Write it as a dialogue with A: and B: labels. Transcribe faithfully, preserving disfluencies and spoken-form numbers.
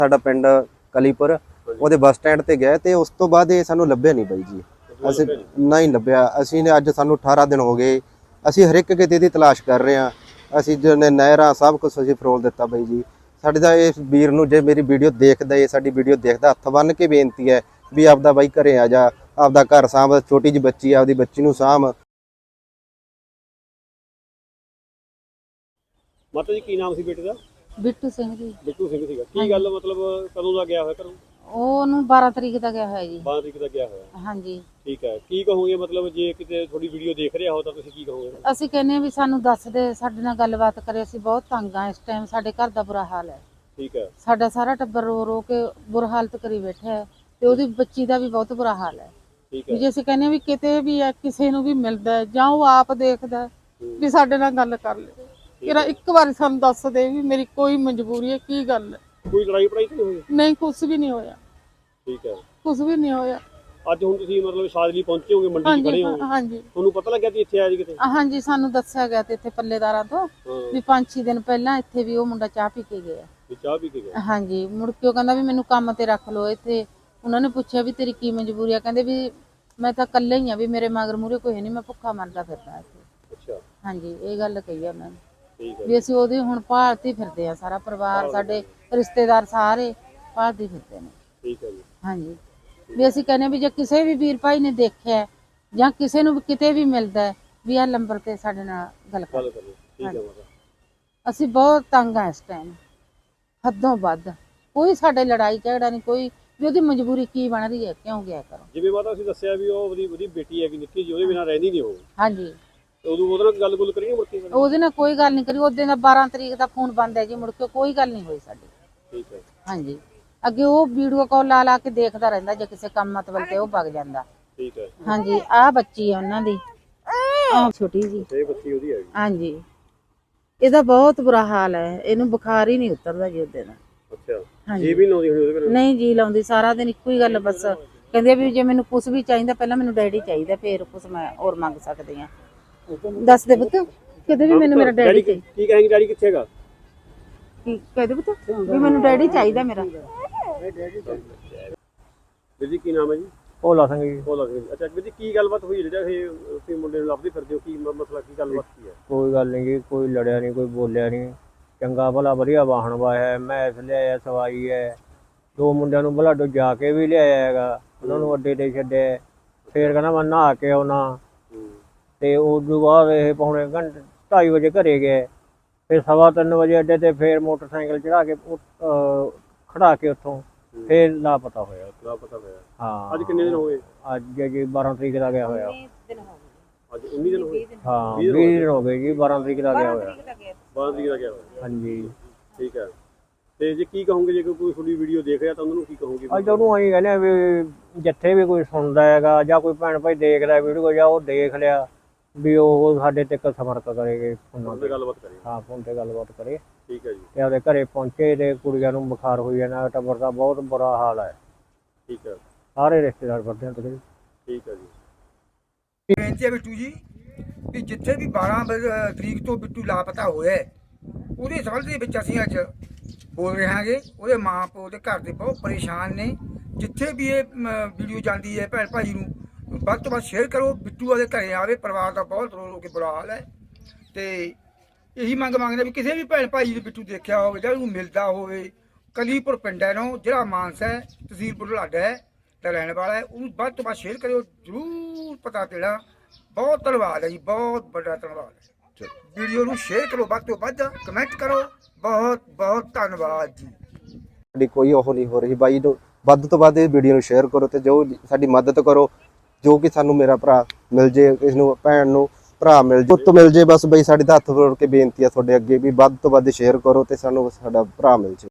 A: ਸਾਡਾ ਪਿੰਡ ਕਲੀਪੁਰ ਉਹਦੇ ਬੱਸ ਸਟੈਂਡ ਤੇ ਗਏ ਤੇ ਉਸ ਤੋਂ ਬਾਅਦ ਇਹ ਸਾਨੂੰ ਲੱਭਿਆ ਨਹੀਂ ਬਾਈ ਜੀ। ਅਸੀਂ ਨਹੀਂ ਲੱਭਿਆ। ਅਸੀਂ ਨੇ ਅੱਜ ਸਾਨੂੰ ਅਠਾਰਾਂ ਦਿਨ ਹੋ ਗਏ, ਅਸੀਂ ਹਰ ਇੱਕ ਕਿਤੇ ਦੀ ਤਲਾਸ਼ ਕਰ ਰਹੇ ਹਾਂ। ਅਸੀਂ ਜਿਹਨੇ ਨਹਿਰਾਂ ਸਭ ਕੁਝ ਅਸੀਂ ਫਰੋਲ ਦਿੱਤਾ ਬਾਈ ਜੀ। ਸਾਡੇ ਦਾ ਇਸ ਵੀਰ ਨੂੰ ਜੇ ਮੇਰੀ ਵੀਡੀਓ ਦੇਖਦਾ, ਇਹ ਸਾਡੀ ਵੀਡੀਓ ਦੇਖਦਾ, ਹੱਥ ਬੰਨ੍ਹ ਕੇ ਬੇਨਤੀ ਹੈ ਵੀ ਆਪਦਾ ਬਾਈ ਘਰੇ ਆ ਜਾ, ਆਪਦਾ ਘਰ ਸਾਂਭ, ਛੋਟੀ ਜਿਹੀ ਬੱਚੀ ਆਪਦੀ ਬੱਚੀ ਨੂੰ ਸਾਂਭ।
B: ਮਾਤਾ ਜੀ ਕੀ ਨਾਮ ਸੀ ਬੇਟੇ ਦਾ?
C: ਬਿੱਟੂ ਸਿੰਘ ਜੀ।
B: ਬਿੱਟੂ ਸਿੰਘ ਸੀਗਾ। ਕੀ ਗੱਲ ਮਤਲਬ ਕਦੋਂ ਦਾ ਗਿਆ ਹੋਇਆ ਘਰੋਂ?
C: ਉਹਨੂੰ ਬਾਰਾਂ ਤਰੀਕ ਦਾ ਗਿਆ ਹੋਇਆ ਜੀ।
B: ਬਾਰਾਂ ਤਰੀਕ ਦਾ ਗਿਆ ਹੋਇਆ।
C: ਹਾਂਜੀ
B: ਠੀਕ ਹੈ। ਕੀ ਕਹੋਗੇ ਮਤਲਬ ਜੇ ਕਿਤੇ ਤੁਹਾਡੀ ਵੀਡੀਓ ਦੇਖ ਰਿਹਾ ਹੋ ਤਾਂ ਤੁਸੀਂ ਕੀ ਕਹੋਗੇ?
C: ਅਸੀਂ ਕਹਿੰਦੇ ਆ ਵੀ ਸਾਨੂੰ ਦੱਸ ਦੇ, ਸਾਡੇ ਨਾਲ ਗੱਲਬਾਤ ਕਰੇ। ਅਸੀਂ ਬਹੁਤ ਤੰਗ ਆ ਇਸ ਟਾਈਮ, ਸਾਡੇ ਘਰ ਦਾ ਬੁਰਾ ਹਾਲ ਹੈ।
B: ਠੀਕ ਹੈ।
C: ਸਾਡਾ ਸਾਰਾ ਟੱਬਰ ਰੋ ਰੋ ਕੇ ਬੁਰਾ ਹਾਲਤ ਕਰੀ ਬੈਠਾ ਹੈ ਤੇ ਉਹਦੀ ਬੱਚੀ ਦਾ ਵੀ ਬਹੁਤ ਬੁਰਾ ਹਾਲ ਹੈ।
B: ਠੀਕ ਹੈ।
C: ਜੇ ਅਸੀਂ ਕਹਿੰਦੇ ਆ ਵੀ ਕਿਤੇ ਵੀ ਹੈ, ਕਿਸੇ ਨੂੰ ਵੀ ਮਿਲਦਾ ਜਾਂ ਉਹ ਆਪ ਦੇਖਦਾ ਵੀ ਸਾਡੇ ਨਾਲ ਗੱਲ ਕਰ ਲੈ, ਕਿਰਾ ਇੱਕ ਵਾਰੀ ਸਾਨੂੰ ਦੱਸ ਦੇ ਵੀ ਮੇਰੀ ਕੋਈ ਮਜਬੂਰੀ ਹੈ, ਕੀ ਗੱਲ ਹੈ।
B: ਕੋਈ ਲੜਾਈ ਪੜਾਈ ਤਾਂ ਨਹੀਂ ਹੋਈ?
C: ਨਹੀਂ, ਕੁਛ ਵੀ ਨਹੀਂ ਹੋਇਆ।
B: ਠੀਕ ਹੈ।
C: ਕੁਛ ਵੀ ਨਹੀਂ ਹੋਇਆ।
B: ਅੱਜ ਹੁਣ ਤੁਸੀਂ ਮਤਲਬ ਸ਼ਾਦਲੀ ਪਹੁੰਚੇ ਹੋਗੇ, ਮੰਡੀ 'ਚ ਖੜੇ ਹੋ?
C: ਹਾਂਜੀ।
B: ਤੁਹਾਨੂੰ ਪਤਾ ਲੱਗਿਆ ਕਿ ਇੱਥੇ ਆਇਆ ਜੀ ਕਿਤੇ?
C: ਹਾਂਜੀ, ਸਾਨੂੰ ਦੱਸਿਆ ਗਿਆ ਤੇ ਇੱਥੇ ਪੱਲੇਦਾਰਾਂ ਤੋਂ ਵੀ ਪੰਜ ਛੇ ਦਿਨ ਪਹਿਲਾਂ ਇੱਥੇ ਵੀ ਉਹ ਮੁੰਡਾ ਚਾਹ ਪੀ ਕੇ ਗਿਆ।
B: ਵੀ ਚਾਹ ਪੀ ਕੇ ਗਿਆ?
C: ਹਾਂਜੀ। ਮੁੜ ਕੇ ਉਹ ਕਹਿੰਦਾ ਵੀ ਮੈਨੂੰ ਕੰਮ ਤੇ ਰੱਖ ਲਓ ਇੱਥੇ। ਉਹਨਾਂ ਨੇ ਪੁੱਛਿਆ ਵੀ ਤੇਰੀ ਕੀ ਮਜਬੂਰੀ ਆ? ਕਹਿੰਦੇ ਵੀ ਮੈਂ ਤਾਂ ਇਕੱਲੇ ਹੀ ਆ, ਵੀ ਮੇਰੇ ਮਗਰ ਮੂਹਰੇ ਕੋਈ ਨਹੀਂ, ਮੈਂ ਭੁੱਖਾ ਮਰਦਾ ਫਿਰਦਾ ਇੱਥੇ।
B: ਅੱਛਾ। ਹਾਂਜੀ,
C: ਇਹ ਗੱਲ ਕਹੀ ਆ ਮੈਂ
B: ਠੀਕ ਹੈ।
C: ਵੀ ਅਸੀਂ ਉਹਦੀ ਹੁਣ ਭਾਲਤੀ ਫਿਰਦੇ ਆ, ਸਾਰਾ ਪਰਿਵਾਰ, ਸਾਡੇ ਰਿਸ਼ਤੇਦਾਰ ਸਾਰੇ ਭਾਲਤੀ ਫਿਰਦੇ ਨੇ।
B: ਠੀਕ ਹੈ ਜੀ। ਹਾਂਜੀ।
C: ਵੀ ਅਸੀਂ ਕਹਿੰਦੇ ਵੀ ਜੇ ਕਿਸੇ ਵੀ ਵੀਰ ਭਾਈ ਨੇ ਦੇਖਿਆ ਜਾਂ ਕਿਸੇ ਨੂੰ ਕਿਤੇ ਵੀ ਮਿਲਦਾ ਵੀ ਆ ਨੰਬਰ ਤੇ ਸਾਡੇ ਨਾਲ ਗੱਲ ਕਰ।
B: ਠੀਕ ਹੈ ਮਾਤਾ।
C: ਅਸੀਂ ਬਹੁਤ ਤੰਗ ਆ ਇਸ ਟਾਈਮ, ਹੱਦੋਂ ਵੱਧ। ਕੋਈ ਸਾਡੇ ਲੜਾਈ ਝਗੜਾ ਨਹੀਂ, ਕੋਈ ਵੀ ਉਹਦੀ ਮਜਬੂਰੀ ਕੀ ਬਣ ਰਹੀ ਹੈ, ਕਿਉਂ ਗਿਆ ਕਰੋ।
B: ਜਿਵੇਂ ਮਾਤਾ ਅਸੀਂ ਦੱਸਿਆ ਵੀ ਉਹ ਉਹਦੀ ਉਹਦੀ ਬੇਟੀ ਹੈਗੀ ਨਿੱਕੀ ਜੀ, ਉਹਦੇ ਬਿਨਾਂ ਰਹਿੰਦੀ ਨਹੀਂ ਉਹ।
C: ਹਾਂਜੀ।
B: ਉਦੋਂ ਉਹਦੇ ਨਾਲ ਗੱਲ ਗੁੱਲ ਕਰੀ ਮੁੜ ਕੇ?
C: ਉਹਦੇ ਨਾਲ ਕੋਈ ਗੱਲ ਨਹੀਂ ਕਰੀ। ਉਹਦੇ ਨਾਲ ਬਾਰਾਂ ਤਰੀਕ ਦਾ ਫੋਨ ਬੰਦ ਹੈ ਜੀ, ਮੁੜ ਕੇ ਕੋਈ ਗੱਲ ਨਹੀਂ ਹੋਈ ਸਾਡੀ।
B: ਠੀਕ ਹੈ। ਹਾਂਜੀ।
C: ਅੱਗੇ ਉਹ ਵੀਡੀਓ ਕਾਲ ਲਾ ਲਾ ਕੇ ਦੇਖਦਾ ਰਹਿੰਦਾ, ਜੇ ਕਿਸੇ ਕੰਮ ਮਤਲਬ ਤੇ ਉਹ ਵਗ ਜਾਂਦਾ।
B: ਠੀਕ ਹੈ।
C: ਹਾਂਜੀ। ਆਹ ਬੱਚੀ ਹੈ ਉਹਨਾਂ ਦੀ, ਆਹ ਛੋਟੀ ਜੀ।
B: ਇਹ ਬੱਚੀ ਉਹਦੀ ਹੈ?
C: ਹਾਂਜੀ। ਇਹਦਾ ਬਹੁਤ ਬੁਰਾ ਹਾਲ ਹੈ, ਇਹਨੂੰ ਬੁਖਾਰ ਹੀ ਨਹੀਂ ਉਤਰਦਾ ਜੀ ਉਹਦੇ ਨਾਲ।
B: ਅੱਛਾ। ਜੀ ਵੀ ਲਾਉਂਦੀ ਹੋਣੀ ਉਹਦੇ ਨਾਲ? ਨਹੀਂ
C: ਜੀ ਲਾਉਂਦੀ, ਸਾਰਾ ਦਿਨ ਇੱਕੋ ਹੀ ਗੱਲ ਬਸ ਕਹਿੰਦੇ ਵੀ ਜੇ ਮੈਨੂੰ ਕੁਝ ਵੀ ਚਾਹੀਦਾ ਪਹਿਲਾਂ ਮੈਨੂੰ ਡੈਡੀ ਚਾਹੀਦਾ, ਫੇਰ ਕੁਝ ਮੈਂ ਹੋਰ ਮੰਗ ਸਕਦੀ ਹਾਂ। ਦੱਸ ਦੇ ਪੁੱਤ, ਕਿਤੇ ਵੀ ਮੈਨੂੰ ਮੇਰਾ ਡੈਡੀ ਚਾਹੀਦਾ।
B: ਕੀ ਕਹੇਂਗੇ? ਡੈਡੀ ਕਿੱਥੇ ਹੈਗਾ?
C: ਕੀ ਕਹਦੇ ਪੁੱਤ ਵੀ ਮੈਨੂੰ ਡੈਡੀ ਚਾਹੀਦਾ ਮੇਰਾ।
B: ਵੀਰ ਜੀ ਕੀ ਨਾਮ ਹੈ ਜੀ? ਭੋਲਾ ਸਿੰਘ ਜੀ। ਭੋਲਾ ਸਿੰਘ। ਅੱਛਾ ਵੀਰ ਜੀ, ਕੀ ਗੱਲਬਾਤ ਹੋਈ ਜਿਹੜਾ ਇਹ ਤੁਸੀਂ ਮੁੰਡੇ ਨੂੰ ਲੱਭਦੇ ਫਿਰਦੇ ਹੋ? ਕੀ ਮਸਲਾ, ਕੀ ਗੱਲਬਾਤ ਕੀ ਹੈ?
D: ਕੋਈ ਗੱਲ ਨਹੀਂ ਜੀ, ਕੋਈ ਲੜਿਆ ਨਹੀਂ, ਕੋਈ ਬੋਲਿਆ ਨਹੀਂ, ਚੰਗਾ ਭਲਾ ਵਧੀਆ ਵਾਹਣ ਵਾਇਆ, ਮੈਸ ਲਿਆਇਆ, ਸਵਾਈ ਹੈ। ਦੋ ਮੁੰਡਿਆਂ ਨੂੰ ਬਲਾਡੋ ਜਾ ਕੇ ਵੀ ਲਿਆਇਆ ਹੈਗਾ, ਉਹਨਾਂ ਨੂੰ ਅੱਡੇ ਤੇ ਛੱਡਿਆ। ਫੇਰ ਕਹਿੰਦਾ ਮੈਂ ਨਹਾ ਕੇ ਆਉਣਾ, ਤੇ ਉਸ ਤੋਂ ਬਾਅਦ ਇਹ ਪੌਣੇ ਘੰਟੇ ਢਾਈ ਵਜੇ ਘਰੇ ਗਏ। ਫਿਰ ਸਵਾ ਤਿੰਨ ਵਜੇ ਅੱਡੇ ਤੇ ਫੇਰ ਮੋਟਰਸਾਈਕਲ ਚੜਾ ਕੇ ਖੜਾ ਕੇ ਉੱਥੋਂ ਫੇਰ ਲਾਪਤਾ ਹੋਇਆ।
B: ਲਾਪਤਾ ਹੋਇਆ?
D: ਹਾਂ।
B: ਅੱਜ ਕਿੰਨੇ ਦਿਨ ਹੋ ਗਏ?
D: ਅੱਜ ਜੀ ਬਾਰਾਂ ਤਰੀਕ ਦਾ ਗਿਆ ਹੋਇਆ।
B: ਅੱਜ ਉੱਨੀ ਦਿਨ ਹੋ ਗਏ?
D: ਹਾਂ, ਵੀਹ ਦਿਨ ਹੋ ਗਏ ਜੀ, ਬਾਰਾਂ ਤਰੀਕ ਦਾ ਗਿਆ ਹੋਇਆ।
B: ਬਾਰਾਂ ਤਰੀਕ ਦਾ ਗਿਆ ਹੋਇਆ?
D: ਹਾਂਜੀ।
B: ਠੀਕ ਹੈ। ਤੇ ਜੇ ਕੀ ਕਹੋਗੇ ਜੇ ਕੋਈ ਤੁਹਾਡੀ ਵੀਡੀਓ ਦੇਖ ਰਿਹਾ ਤਾਂ ਉਹਨਾਂ ਨੂੰ ਕੀ ਕਹੋਗੇ?
D: ਅੱਜ ਉਹਨੂੰ ਅਸੀਂ ਕਹਿੰਦੇ ਵੀ ਜਿੱਥੇ ਵੀ ਕੋਈ ਸੁਣਦਾ ਹੈਗਾ ਜਾਂ ਕੋਈ ਭੈਣ ਭਾਈ ਦੇਖਦਾ ਵੀਡੀਓ ਜਾਂ ਉਹ ਦੇਖ ਲਿਆ ਵੀ ਉਹ ਸਾਡੇ ਤੇ ਸੰਪਰਕ ਕਰੇਗੇ, ਫੋਨ ਤੇ ਗੱਲਬਾਤ ਕਰੇ। ਹਾਂ, ਫੋਨ ਤੇ ਗੱਲਬਾਤ ਕਰੇ। ਠੀਕ ਹੈ ਜੀ। ਤੇ ਉਹਦੇ ਘਰੇ ਪਹੁੰਚੇ ਤੇ ਕੁੜੀਆਂ ਨੂੰ ਬੁਖਾਰ ਹੋਈ ਜਾਂਦਾ, ਟੱਬਰ ਦਾ ਬਹੁਤ ਬੁਰਾ ਹਾਲ ਹੈ।
B: ਠੀਕ ਹੈ।
D: ਸਾਰੇ ਰਿਸ਼ਤੇਦਾਰ ਵਰਦੇ ਹਨ ਤੁਸੀਂ?
B: ਠੀਕ ਹੈ ਜੀ।
E: ਬੇਨਤੀ ਹੈ ਬਿੱਟੂ ਜੀ ਵੀ ਜਿੱਥੇ ਵੀ ਬਾਰਾਂ ਤਰੀਕ ਤੋਂ ਬਿੱਟੂ ਲਾਪਤਾ ਹੋਇਆ ਉਹਦੇ ਸੰਬੰਧ ਦੇ ਵਿੱਚ ਅਸੀਂ ਅੱਜ ਬੋਲ ਰਹੇ ਹਾਂਗੇ। ਉਹਦੇ ਮਾਂ ਪਿਓ ਦੇ ਘਰ ਦੇ ਬਹੁਤ ਪਰੇਸ਼ਾਨ ਨੇ। ਜਿੱਥੇ ਵੀ ਇਹ ਵੀਡੀਓ ਜਾਂਦੀ ਹੈ ਭੈਣ ਭਾਈ ਨੂੰ ਵੱਧ ਤੋਂ ਵੱਧ ਸ਼ੇਅਰ ਕਰੋ। ਬਿੱਟੂ ਉਹਦੇ ਘਰੇ ਆਵੇ, ਪਰਿਵਾਰ ਦਾ ਬਹੁਤ ਰੋ ਰੋ ਕੇ ਬੁਰਾ ਹਾਲ ਹੈ। ਤੇ ਇਹੀ ਮੰਗ ਮੰਗਦੇ ਵੀ ਕਿਸੇ ਵੀ ਭੈਣ ਭਾਈ ਨੂੰ ਬਿੱਟੂ ਦੇਖਿਆ ਹੋਵੇ ਜਾਂ ਉਹਨੂੰ ਮਿਲਦਾ ਹੋਵੇ, ਕਲੀਪੁਰ ਪਿੰਡ ਹੈ ਨੂੰ ਜਿਹੜਾ ਮਾਨਸਾ ਹੈ, ਤਹਿਸੀਲ ਬੁਢਲਾਡਾ ਹੈ ਦਾ ਰਹਿਣ ਵਾਲਾ ਹੈ, ਉਹਨੂੰ ਵੱਧ ਤੋਂ ਵੱਧ ਸ਼ੇਅਰ ਕਰਿਓ ਜ਼ਰੂਰ ਪਤਾ ਦੇਣਾ। ਬਹੁਤ ਧੰਨਵਾਦ ਹੈ ਜੀ, ਬਹੁਤ ਵੱਡਾ ਧੰਨਵਾਦ ਹੈ। ਵੀਡੀਓ ਨੂੰ ਸ਼ੇਅਰ ਕਰੋ, ਵੱਧ ਤੋਂ ਵੱਧ ਕਮੈਂਟ ਕਰੋ। ਬਹੁਤ ਬਹੁਤ ਧੰਨਵਾਦ ਜੀ।
A: ਸਾਡੀ ਕੋਈ ਉਹ ਨਹੀਂ ਹੋ ਰਹੀ ਬਾਈ ਨੂੰ, ਵੱਧ ਤੋਂ ਵੱਧ ਇਹ ਵੀਡੀਓ ਨੂੰ ਸ਼ੇਅਰ ਕਰੋ ਤੇ ਜੋ ਸਾਡੀ ਮਦਦ ਕਰੋ, ਜੋ ਕਿ ਸਾਨੂੰ ਮੇਰਾ ਭਰਾ ਮਿਲ ਜੇ, ਇਸ ਨੂੰ ਭੈਣ ਨੂੰ ਭਰਾ ਮਿਲ ਜੇ, ਪੁੱਤ ਮਿਲ ਜੇ। ਬਸ ਬਈ ਸਾਡੀ ਤਾਂ ਹੱਥ ਜੋੜ ਕੇ ਬੇਨਤੀ ਆ ਤੁਹਾਡੇ ਅੱਗੇ ਵੀ ਵੱਧ ਤੋਂ ਵੱਧ ਸ਼ੇਅਰ ਕਰੋ ਤੇ ਸਾਨੂੰ ਸਾਡਾ ਭਰਾ ਮਿਲ ਜੇ।